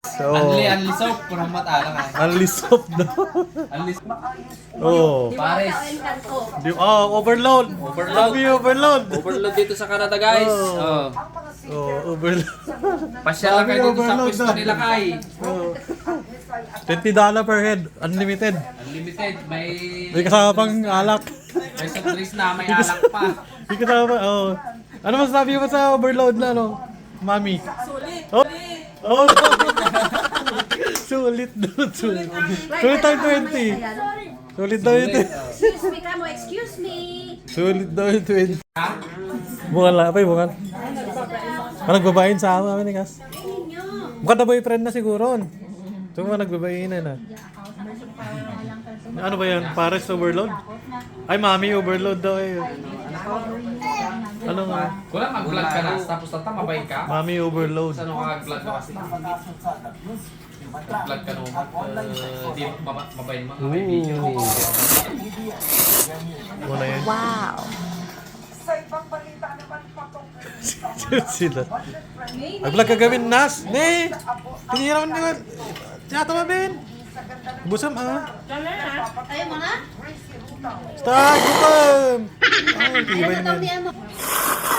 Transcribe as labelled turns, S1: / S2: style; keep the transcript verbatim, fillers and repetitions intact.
S1: So,
S2: Unli, unli soap. Kurang matala ka.
S1: unli soap daw.
S2: Unli soap.
S1: Oh.
S2: Pares.
S1: Di, oh, overload.
S2: Overload.
S1: Sabi overload.
S2: Overload dito sa Canada, guys.
S1: Oh.
S2: Oh.
S1: Oh, overload.
S2: Pasyal lang kayo dito sa
S1: Overload
S2: pwesto
S1: na.
S2: nila, Kai.
S1: Oh. twenty dollars per head, unlimited.
S2: Unlimited. May...
S1: May kasama pang alak.
S2: May soft drinks na, may alak pa.
S1: May kasama, oh. Ano masasabi mo sa overload na, no? Mami.
S3: Sulit.
S1: Oh. Oh. Sulit doon, sulit. Sulit tayo twenty. Sulit daw yung twenty.
S4: Excuse me, Kamo. Excuse me.
S1: Sulit daw yung twenty. Bukan lang, pa bukan. Parang nagbabayin sa amin ni Kas. Mukha na boyfriend na siguro. Ito mga nagbabayin na na. Ano ba yan? Pares overload? Ay, mami overload daw eh. Ano nga?
S2: Wala mag-vlog ka na, tapos tata mabay ka.
S1: Mami overload.
S2: Saan ako mag-vlog ka kasi? Mag-vlog ka naman. Uh, di mab- mabay mo. May video.
S1: Ooh. Wala yan.
S4: Wow.
S1: Sila. Nag-vlog ka gawin, Nas. Ne! Tinira mo naman. Tiyata mo, Ben. Busam, ah.
S4: Ayaw mo na?
S1: Start! Gutom! Ay,
S4: Ayaw
S1: tibay
S4: na daw
S1: naman.
S4: niya mo.